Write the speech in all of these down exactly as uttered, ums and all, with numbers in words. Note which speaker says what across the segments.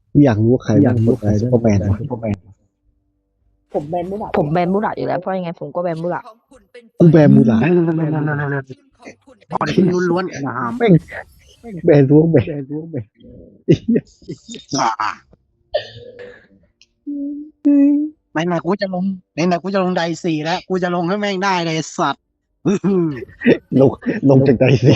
Speaker 1: อยากรู้ว่าใครบ้างคนแบนซุปเปอร์แมนวะ
Speaker 2: ผมแบนไม่ได้
Speaker 3: ผมแบนมูราอยู่แล้วเพราะยังไงผมก็แบนมูรา
Speaker 1: กูแบนมูรา
Speaker 4: เร็วๆๆๆๆๆพอได้ล้วนๆนะครับ
Speaker 1: แม่งแบนรู้แบน
Speaker 4: อ่าไหนๆกูจะลงไหนๆกูจะลงไดสี่แล้วกูจะลงให้แม่งได้เลยสัตว์อื้อหือ
Speaker 1: ลงลงจากใจสิ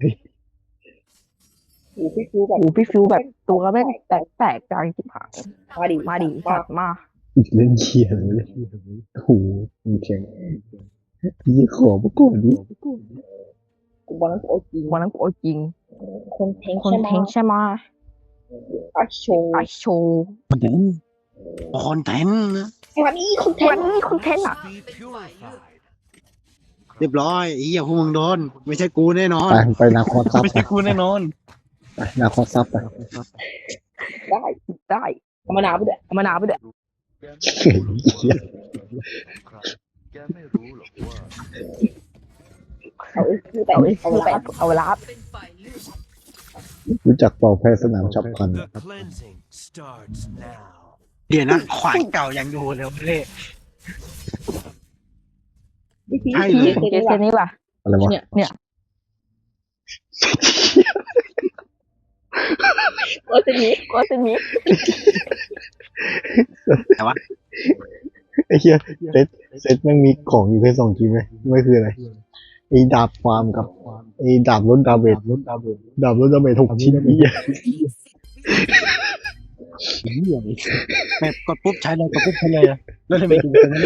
Speaker 2: อูพี่ฟิวแบบ
Speaker 3: โอ้พี่ฟิวแบบตัวแม่งแตกแตกกลางจิบหาย
Speaker 2: มาดิ
Speaker 3: มาดิสัตว์มา
Speaker 1: เล่นเชียร์เลยโอ้โหมึงแข็งยี่ขอมาก่อนดิ
Speaker 2: กูวันนั้นกูเอาจริง
Speaker 3: วันนั้นกูเอาจริง
Speaker 2: คนแทง
Speaker 3: คนแทงใช่ไหม
Speaker 2: อาโชว์
Speaker 3: ไอโชว์
Speaker 4: คอนเทนต์คอนเทนต์นะ
Speaker 2: วันนี้คนแท
Speaker 3: วั
Speaker 2: ง
Speaker 3: นนี้คอนเทนต์อ่ะ
Speaker 4: เรียบร้อยไอ้เหี้ยพวกมึงโดนไม่ใช่กูแน่นอน
Speaker 1: ไปไปนาคอซับ
Speaker 4: ไม่
Speaker 1: ไป
Speaker 4: ใช่กูแน่นอน
Speaker 1: ไปนาคอซับไป
Speaker 2: ได้
Speaker 3: ได้
Speaker 2: เอามะนาวไปด้วย
Speaker 3: เอามะนาวไปด้วย
Speaker 1: เฮ้ยเหี้ย
Speaker 2: เอาเอ้ยคือแต่
Speaker 3: เอาไอ้
Speaker 2: เอา
Speaker 3: คือไป
Speaker 2: ละ
Speaker 3: เอาลาบ
Speaker 1: รู้จักเป่าแพ้สนามฉับพลัน
Speaker 5: The cleansing starts now.
Speaker 4: เดี๋ยวนะขวานเก่ายังอยู่เลยเว้ย
Speaker 2: พี่ฟิว
Speaker 4: ใช่
Speaker 2: พี่
Speaker 4: เลย
Speaker 2: ฟิว
Speaker 3: เจ
Speaker 2: เจ
Speaker 3: เซ
Speaker 2: อ
Speaker 3: นนี่ว่ะ
Speaker 1: อะไรวะ
Speaker 3: เนี่ยเนี่ย
Speaker 2: ว่าจะมี
Speaker 3: ก็จะมี
Speaker 1: ไอ้เหี้ยเซตเซตแม่งมีของอยู่แค่สองชิ้นไหมไม่คืออะไรไอ้ดาบความกับไอ้ดาบลดดาเมจลดดาเมจดาบลดดาเมจหกชิ้นนี่
Speaker 4: เหี้ยแม่กดปุ๊บใช้เลยกดปุ๊บใช้เลยแล้วทำไมถึงเป็นอย่างนั้น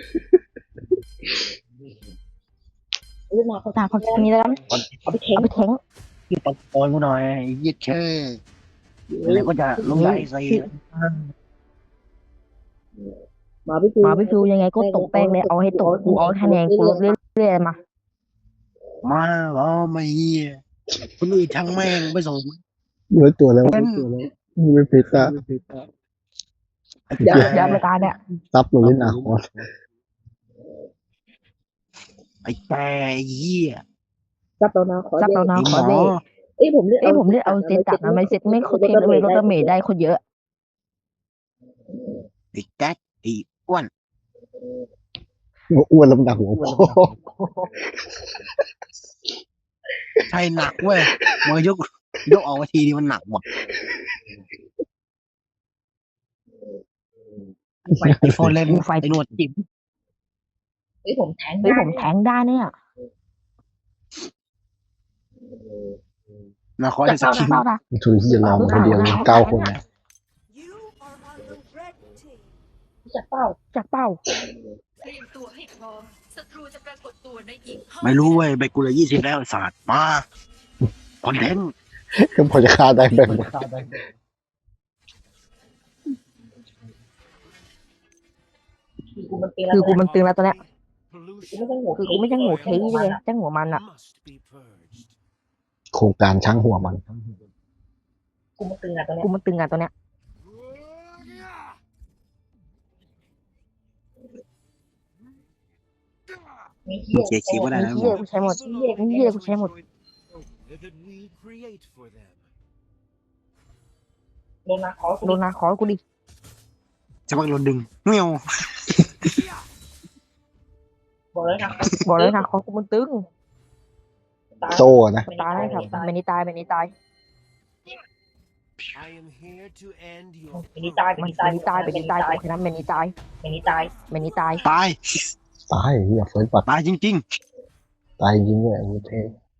Speaker 2: เรื่องมาเขา
Speaker 3: ตาเขาจะมีแล้วกัน
Speaker 2: เอาไปแทง
Speaker 3: เอาไปแทง
Speaker 4: ที่ตะโกนกูหน่อยไอ้เหี้ยแค่แล้วก็จะลงไดสี่
Speaker 2: มาพี่ฟิว
Speaker 3: มาพี่ฟิวยังไงก็ตกแป้งเลยเอาให้ตกกูเอาคะแนนกูลดเรื่อยๆมา
Speaker 4: มาเหรอไม่เหี้ยคนอื่นช่างแม่งไม่สน
Speaker 1: เนื้อตัวแล้ว
Speaker 4: เป็น
Speaker 1: มึงไม่เพตา
Speaker 3: เดี๋ยวเดี๋ยวไปตาเนี่ย
Speaker 1: ซับลงเล่นนาคอส
Speaker 4: ไอ้แกไอ้เหี้ย
Speaker 2: จับเรานะขอ
Speaker 3: จับเรา
Speaker 2: เล่น
Speaker 3: นา
Speaker 4: ไอ้
Speaker 3: ข
Speaker 4: หม
Speaker 3: อ
Speaker 4: อ
Speaker 3: เล่
Speaker 2: เอ้ยผมเลือก
Speaker 3: เอ้ยผมเลือกเอาเซตจัดนะไม่เซตไม่โคตรเทนเลยลดดาเมจได้คนเยอะ
Speaker 4: ไอ้แก๊กไอ้อ้วน
Speaker 1: อ้วนลำดักหัวพ่อ
Speaker 4: ใช่หนักเว้ยมายกยกออกมาทีนี้มันหนักว่ะไอ้โฟนเล่นไอ้หนวดจิ๋ม
Speaker 2: เอ้ยผมแทง
Speaker 3: เฮ้ยผมแทงได้เนี่ย
Speaker 4: นะขอ
Speaker 3: จั
Speaker 4: จะ
Speaker 3: บ
Speaker 4: สัก
Speaker 3: เป้า
Speaker 4: ที
Speaker 3: นะเป้านะ
Speaker 1: ทุนที่จะรอมาคนเดียวเก้าคนนะ
Speaker 6: You are on the red team.
Speaker 2: จับเป้า
Speaker 3: จับเป้า
Speaker 6: เตรียมตัวให้พร้อมศัตรูจะปรากฏตัวในอีกห้า
Speaker 4: ไม่รู้เว้ยใบกูเลยยี่สิบแล้วไอ้สัตว์มาคอนเทนต์
Speaker 1: ก็พอจะฆ่าได้แบ่ง
Speaker 2: คือกูมันตี
Speaker 3: คือกูมันตึงแล้วตอนเนี้ย
Speaker 2: กูไม่ใช่หัว
Speaker 3: คือกูไม่จังหัวเทเลยจังหัวมันอ่ะ
Speaker 5: Must be purged.
Speaker 1: โครงการช้างหัวมัน
Speaker 2: กูมันตึงอะตอนเนี้
Speaker 3: กู
Speaker 2: ย
Speaker 3: มันตึงอ่ะตอนเนี้ย
Speaker 2: มีเหี้ย
Speaker 4: เสียชีวิตได้
Speaker 3: มี
Speaker 4: นะหม
Speaker 3: เหี้ย
Speaker 4: อ
Speaker 3: กูใช้หมดมีเหี้ยกูใช้หมด
Speaker 5: That we create for them.
Speaker 2: โดนนะขอ
Speaker 3: โดนนาขอกูดิ
Speaker 4: จะมาโดนดึงเงี้ยว
Speaker 2: บอกเลยนะ
Speaker 3: บอกเลยนาขอกูมันตึง
Speaker 1: โซ่นะ
Speaker 3: ตายได้ครับเมนี่ตายเมนี่ตาย
Speaker 5: I am here to end your
Speaker 2: เมนี่ตายเม
Speaker 3: มัน
Speaker 2: นี่
Speaker 3: เม
Speaker 2: ตาย
Speaker 3: นี่ตายเมนี่ตายโอเคนะเมนี่ตาย
Speaker 2: เมนี่ตาย
Speaker 3: เมนี่ตาย
Speaker 4: ตาย
Speaker 1: ตายเหี้ยเฟิร์สปัด
Speaker 4: ตายจริง
Speaker 1: ตายจริงเลยไอ้เท่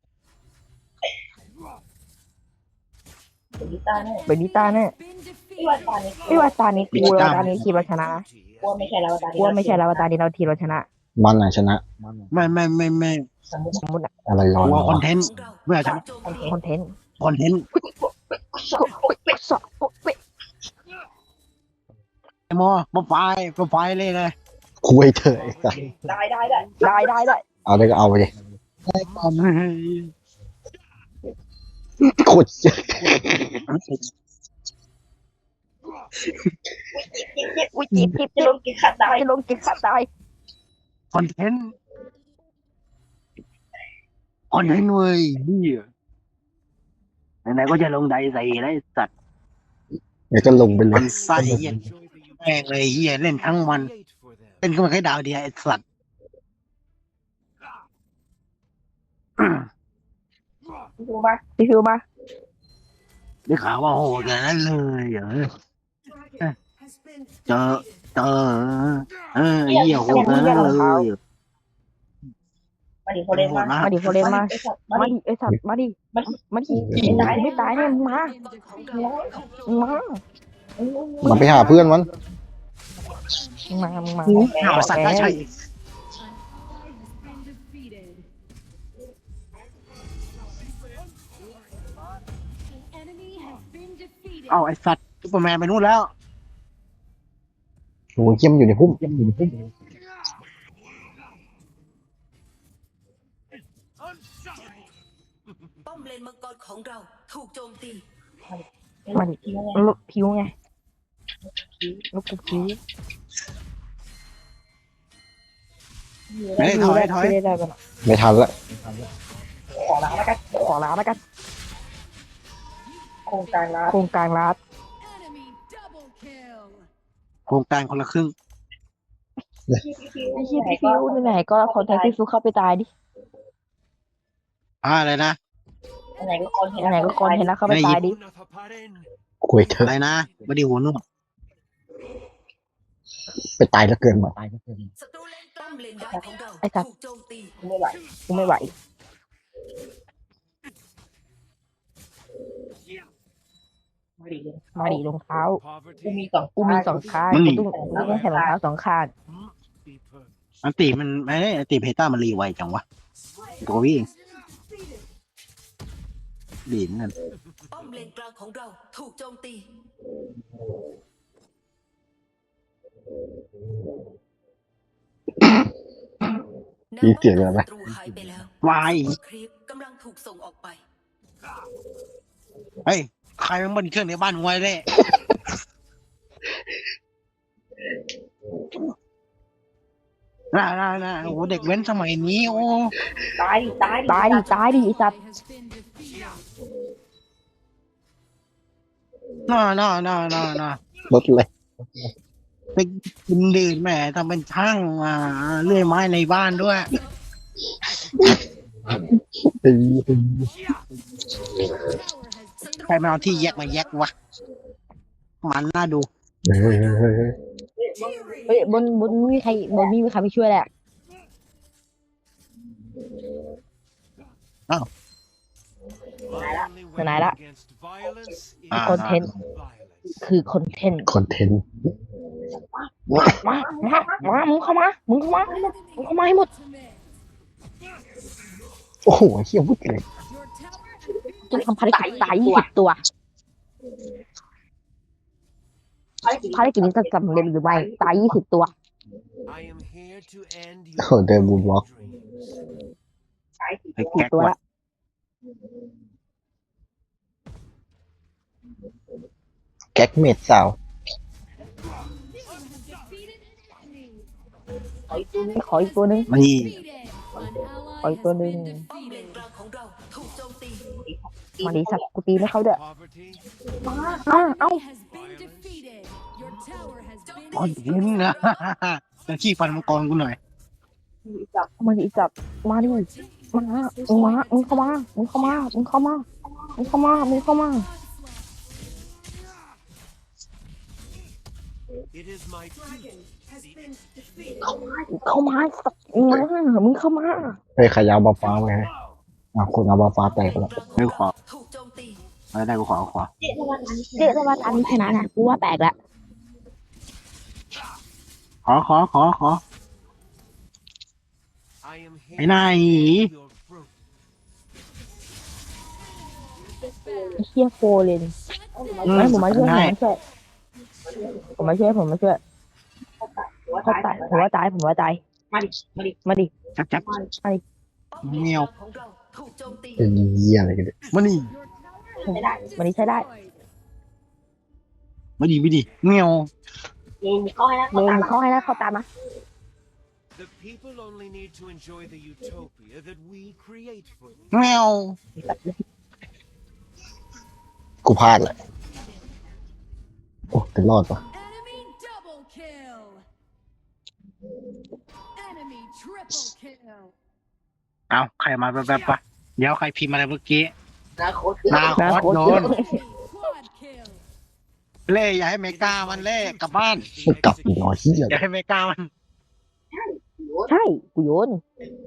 Speaker 2: เมนี่ตายแน่
Speaker 3: เมนี่ตายแน่
Speaker 6: Been
Speaker 2: ไม่ว่า
Speaker 6: defeated.
Speaker 2: ตานี้
Speaker 3: ไม่ว่าตานี้กูเราตานี้ทีมเราชนะนะ
Speaker 2: กลัวไม่ใช่แล้วตา
Speaker 3: กูว่าไม่ใช่แล้วตานี้เราทีมเราชนะ
Speaker 1: มันน่ะชนะ
Speaker 4: ๆไม่ไม่ไม่ไม่
Speaker 2: สมมติ
Speaker 3: สมมติอะ
Speaker 1: อะไรร้อน
Speaker 4: กลัวคอน
Speaker 1: วะ
Speaker 4: เทนต์ไม่เอาชนะ
Speaker 3: คอนเทนต์
Speaker 4: คอนเทนต์
Speaker 3: สอบเป๊ะ
Speaker 4: ไอ้หมอมาไฟมาไฟเลยเลย
Speaker 1: คุยเถอะไอ้สัส
Speaker 2: ได้ได้ได้
Speaker 3: ได้ได้ได้
Speaker 1: เอาได้ก็เอาไปดิ
Speaker 4: ก่อน
Speaker 1: โคตรเจ็บ
Speaker 3: อุ้ยจีบจีบ
Speaker 2: จะลงกินขาดตาย
Speaker 3: จะลงจิตขาดตาย
Speaker 4: คอนเทนต์คอนเทนต์เว้ยเหี้ยไหนๆก็จะลงไดใส่ได้สัตว์
Speaker 1: เดี๋ยวก็ลงไปเล
Speaker 4: มั
Speaker 1: ย
Speaker 4: นไส้เหี้ย
Speaker 5: Enjoy the
Speaker 4: แม่งเลยเหี้ยเล่นทั้งวัน
Speaker 5: create for them.
Speaker 4: เล่นก็มาแค่ดาวเดียวไอ้สัตว์
Speaker 2: พี่ฟิวมา
Speaker 3: พี่ฟิวมา
Speaker 4: ได้ข่าวว่าโหดอย่างนั้นเลยเหรอเจอเจอเออไอ้เหี้ยโหดอย่างนั้นเลย
Speaker 2: มาดิโคเรนมา
Speaker 3: มาดิโคเรนมา
Speaker 2: ไอ้สัตว์มา
Speaker 3: มา
Speaker 2: ดิ
Speaker 3: ดิไอสัตว์มาดิ
Speaker 2: มาดิ
Speaker 3: มาดิไม่ตายเนี่ยมึงมามึงมา
Speaker 1: มันไปหาเพื่อนมัน
Speaker 3: มึงมามึงมา
Speaker 4: หาสัตว์ได้ใช่ เอ้าไอ้สัตว์ซุปเปอร์แมนไปนู่นแล้ว
Speaker 1: โอ้ยเยี่ยมอยู่ในพุ่มเยี่ยมอยู่ในพุ่ม
Speaker 6: ป้อมเลนมังกรของเราถูกโจมตี
Speaker 3: มาดิ
Speaker 2: ทิ้งไง
Speaker 3: ลูกผิวไงลูกกูผิว
Speaker 4: เฮ้ยถอยถอย
Speaker 3: ได้ได้กัน
Speaker 1: ไม่ทันละ
Speaker 2: ขอล้างแล้วกัน
Speaker 3: ขอลาแล้วกัน
Speaker 2: โครงการล้าง
Speaker 3: โครงการรัด
Speaker 4: โครงการคนละครึ่ง
Speaker 3: ไอ้เหี้ยพี่ฟิวไหนๆก็คอนแทคพี่ฟิวเข้าไปตายดิ
Speaker 4: อ่าอะไรนะ
Speaker 2: ไหนก็คนเห็น
Speaker 3: ไหนๆก็คอนเห็นแล้วเข้าไปตายดิ
Speaker 5: Unapaparen.
Speaker 1: คุยเถ
Speaker 4: อะไร
Speaker 1: อะ
Speaker 4: นะไม่ได้หัวนุ่ม
Speaker 1: ไปตายแล้วเกินมา
Speaker 6: ศัตรูเลนป้อมเลนดาวของเรา
Speaker 3: ไอ้สัตว์
Speaker 6: ถูกโจมตี
Speaker 2: ไม่ไหว
Speaker 3: กูไม่ไหว
Speaker 2: มาดิ
Speaker 3: มาดิรองเท้า
Speaker 5: Poverty
Speaker 2: กูมีสอง
Speaker 3: กูมีสองข้างกูต้องกูต้องใส่รองเท้าสองข้าง
Speaker 5: be purged.
Speaker 4: อันตีมันไม่ได้อันตีเพต้ามันรีไวจังวะตัววิ่งดีนนั่น
Speaker 6: ป้อมเลนกลางของเราถูกโจมตี
Speaker 1: มีเสียงอะไรไหม
Speaker 6: ศัตรูหายไปแล้ว
Speaker 4: วาย
Speaker 6: ครีปกำลังถูกส่งออกไป
Speaker 4: เฮ้ยใครมันบนเครื่องในบ้านมึงไว้เลยน่าน่าน่าโอ้โหเด็กเว้นสมัยนี้โอ้
Speaker 2: ตายดิตายดิ
Speaker 3: ตายดิตายดิไอ้สัตว์
Speaker 4: น่าน่าน่าน่าน่าร
Speaker 1: ถเลย
Speaker 4: ไปกินดื่มแหมทำเป็นช่างอ่าเลื่อยไม้ในบ้านด้วย
Speaker 1: ไอ้
Speaker 4: ใครมาเอาที่แยกมาแยกวะมันน่าดู
Speaker 1: เฮ้ยเฮ้ยเฮ้ยเฮ้ย
Speaker 3: เฮ้ยบนบนมีใครบนมีใครไปช่วยแหละ
Speaker 5: Only
Speaker 3: Này đó.
Speaker 5: weapon against violence is
Speaker 4: อ่า
Speaker 3: คอนเทนต์
Speaker 5: violence.
Speaker 3: คือคอนเทนต์
Speaker 1: คอนเทนต์
Speaker 3: มามามามึงเข้ามามึงเข้ามามึงเข้ามาให้หมด
Speaker 1: โอ้โหเฮียพูดเลย
Speaker 3: จะทำภารกิจตายยี่สิบตัวภารกิจนี้จะสำเร็จหรือไม่ตายยี่สิบตัว
Speaker 5: I am here to end
Speaker 1: โอ้
Speaker 5: your
Speaker 1: เดินบูมบล็อก
Speaker 5: dreams.
Speaker 2: ตายดิ
Speaker 4: ไอ้
Speaker 3: กี่
Speaker 4: แก๊ก
Speaker 3: ตัว
Speaker 4: วะ
Speaker 3: ละ
Speaker 1: แก๊กเมดสาว
Speaker 3: ขออีกตัวหนึง
Speaker 4: นี่
Speaker 3: ขออีกตัวหนึง
Speaker 6: ป้อมเลนกลางของเราถูกโจมตี
Speaker 3: มาดีสักกูตีไม่เข้าเด้อ
Speaker 5: Poverty,
Speaker 3: อ้าวเอ้า
Speaker 4: คอนเทนต์นะ จะขี้ฟันมังกรกูหน่อย
Speaker 2: จับ
Speaker 3: มาดิจับมาดิมามึงมามึงเข้ามามึงเข้ามามึงเข้ามามึงเข้ามามึงเข้ามา
Speaker 5: it is my duty.
Speaker 3: เข้ามาสักมามึงเข้ามา
Speaker 1: เฮ้ยใครยาวบาฟ้าไว้ให้อ่ะคนเอาบาฟ้าแตกแล้ว
Speaker 4: ไม่ขอ
Speaker 6: ถูกโจมตี
Speaker 4: ไม่ได้กูขอขอ
Speaker 2: เจ๊ทำไมอันนี้
Speaker 3: เจ๊ถ้าว่าอันนี้ชนะนะกูว่าแตกละ
Speaker 4: ขอขอขอขอ
Speaker 5: I am here
Speaker 4: ไอ้นาย
Speaker 5: to end your fruit.
Speaker 3: ไอ้เฮียโฟเลนไม่ผมมาช่วยผมมาช่วยผมมาช่วยผมมาช่วย
Speaker 2: หัว
Speaker 3: เขา
Speaker 2: ตาย
Speaker 3: ตายผมว่าตายผมว่าตาย
Speaker 2: มาดิมาดิ
Speaker 3: มาดิ
Speaker 4: จับจับ
Speaker 6: ป้อมเลน
Speaker 4: เมียว
Speaker 6: กลางของเราถูกโจมตี
Speaker 1: เป็นเหี้ยอะไรกันเนี่ย
Speaker 4: มานี่
Speaker 3: มาดิใช้ได้
Speaker 4: มาดีไม่ดีเมียว
Speaker 2: ยิงเข้าให้นะ
Speaker 3: เมนเขาให้นะเขาตามนะ
Speaker 5: The people only need to enjoy the utopia that we create for them.
Speaker 4: เมียว
Speaker 1: กูพลาดแหละโอ้แต่รอดปะ
Speaker 7: Enemy double kill. Enemy triple kill.
Speaker 4: เอาใครมาแบบๆปะเดี๋ยวใครพิมพ์อะไรเมื่อกี้
Speaker 2: นาโคต
Speaker 4: นา
Speaker 3: นะ
Speaker 4: คอส
Speaker 3: โคตร
Speaker 4: โด
Speaker 3: เยอะ
Speaker 4: น
Speaker 7: Quad kill.
Speaker 4: เล่อย่าให้เมกามันเล่กลับบ้าน
Speaker 1: มันกลับอีกหน่อยเฮีย
Speaker 4: อย่าให้เมกามัน
Speaker 3: ใช่กูโยน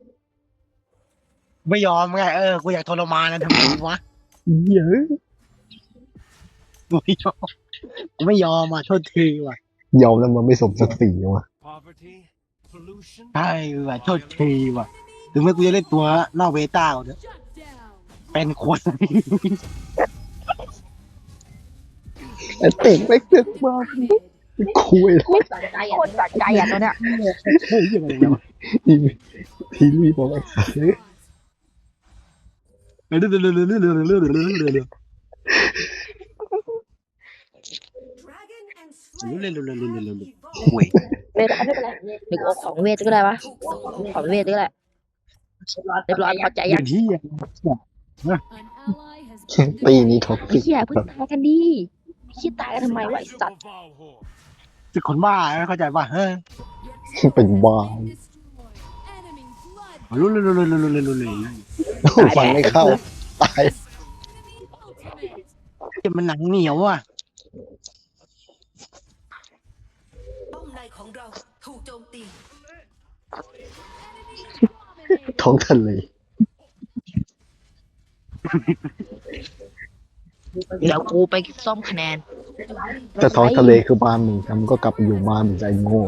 Speaker 4: ไม่ยอมไงเออกูอยากทรมานนะทำไมวะ
Speaker 1: เหี้ยอะ
Speaker 4: กูไม่ยอมกูไม่ยอมอ่ะโทษทีว่ะ
Speaker 1: ยอมแล้วมันไม่สมศักดิ์ศรีวะ
Speaker 5: Poverty, pollution,
Speaker 4: ใช่ว่ะโทษทีว่ะถึงแม้กูจะเล่นตัวนอกเบต้าเนี่ย
Speaker 7: Shut down.
Speaker 4: เป็นคน
Speaker 1: ไอ้เต็กไม่เกิดมา
Speaker 7: Mid.
Speaker 1: คุย
Speaker 2: ไม่สนใจ
Speaker 3: โค
Speaker 2: อ่ะ
Speaker 3: ตรสะใจอ่ะตัวเนี้ย
Speaker 4: เฮ้ยยังไงวะ
Speaker 1: ทีทีรีบอกไอ้สัสเลย
Speaker 4: เรื่อยๆเรื่อยๆเรื่อยๆเรื่อยๆเรื่อยๆเรื่อย
Speaker 6: Dragon and
Speaker 4: ๆ
Speaker 6: Slayer
Speaker 4: เรื่อยๆเรื่อยๆเรื่อยๆเรื่อย
Speaker 6: evolve.
Speaker 4: ๆโอ้ย
Speaker 3: ไม่เป็นไรไม่เป็นไรเดี๋ยวกูเอาของเวทก็ได้ปะของเวทก็ได้เรียบร้อยพอใจ
Speaker 4: อ
Speaker 3: ยั
Speaker 4: ย่าง งที่
Speaker 7: An ally has
Speaker 1: ตี
Speaker 7: been
Speaker 1: นี้ท็อป
Speaker 3: ไอ้
Speaker 1: ปิก
Speaker 3: เหี้ยเพิ่งตายกันดีไอ้เหี้ยตายกันทำไมวะไอ้สัตว์
Speaker 5: Valhor.
Speaker 4: คือคนบ้าไม่เข้าใจป่ะเฮ้ย
Speaker 1: เป็นบ้า
Speaker 7: destroyed. Enemy blood.
Speaker 4: รู้เลยรู้เลยรู้เลยรู้เลย
Speaker 1: ฟังไม่เข้าตาย
Speaker 7: Enemy ultimate.
Speaker 4: จะมันหนังเหนียวอ่ะ
Speaker 6: ป้อมในของเราถูกโจมตี
Speaker 7: Dominate.
Speaker 1: ท้องทะเล
Speaker 3: เดี๋ยวกูไปซ่อมคะแนน
Speaker 1: แต่ท้องทะเลคือบ้านมึงทำก็กลับไปอยู่บ้านมึงใจโง่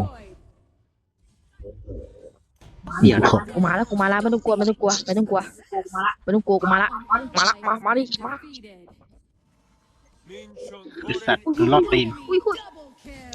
Speaker 3: เดี๋ยวนะกูมาแล้วกูมาแล้วไม่ต้องกลัวไม่ต้องกลัวไม่ต้องกลัว
Speaker 2: มาละ
Speaker 3: ไม่ต้องกลัวกูมาละมาละมามาดิมา
Speaker 7: Defeated.
Speaker 4: ไอ้สัตว์คือรอดตีน
Speaker 3: อุ้ยอุ้ย
Speaker 7: Double kill.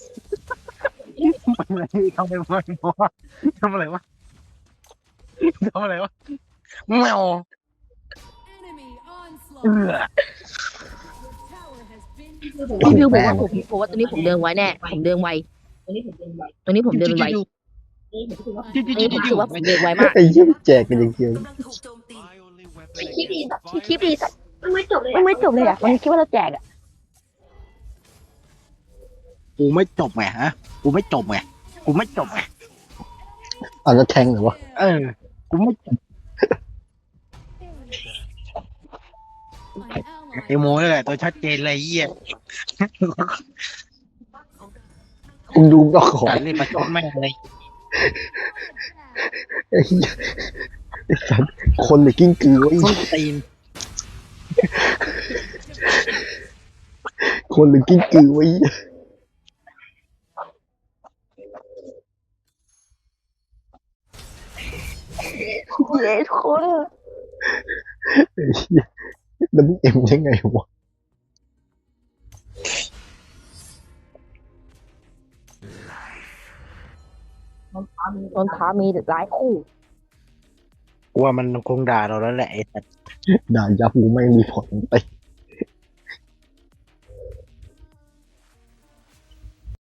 Speaker 4: ทำอะไรทำอะไรวะทำอะไรวะทำอะไรวะแมว
Speaker 7: Enemy
Speaker 4: เอ
Speaker 7: onslaught.
Speaker 4: อ
Speaker 7: Tower has been
Speaker 3: พี่พิวบอกว่าผมผมว่าตัวนี้ผมเดินไวแน่ผมเดินไว
Speaker 2: ตัวนี้ผมเป็นไว
Speaker 3: ตัวนี้ผมเดินไว
Speaker 2: นี่ผมคิดว่า
Speaker 3: ตัวนี้ผมรู้สึกว่าผมเดินไวมาก
Speaker 1: ไอ้เหี้ยแจกกันอย่างเดียว
Speaker 6: กำลังถูกโจมตี
Speaker 5: My only weapon
Speaker 2: คิดดี
Speaker 5: against
Speaker 3: คลิปดีสัตว์
Speaker 2: มันไม่จบเลย
Speaker 3: มันไม่จบเลยอ่ะมันคิดว่าเราแจกอ่ะ
Speaker 4: กูไม่จบไงฮะกูไม่จบไงกูไม่จบไง
Speaker 1: อันนั้นแทงเหรอวะ
Speaker 4: เออกูไม่จบ
Speaker 7: an ally.
Speaker 4: ไอโมนี่แหละตัวชัดเจนเลยเยี่ย
Speaker 1: คุณดูก็ขอ
Speaker 4: การเล่นประชดแม่งเลย
Speaker 1: ไอ้เหี้ยไอ้สัสคนหรือกิ้งกือวะไอ้
Speaker 4: ส้นตีน
Speaker 1: คนหรือกิ้งกือวะไอ้เหี้ย
Speaker 3: เย้ทุกคน
Speaker 1: ไอ้เหี้ยแล้วมึงเอ็มได้ไงวะ
Speaker 3: ตอนท้ามีหลายคู่
Speaker 4: กูว่ามันคงด่าเราแล้วแหละไอ้สัตว์
Speaker 1: ด่ายับกูไม่มีผลไป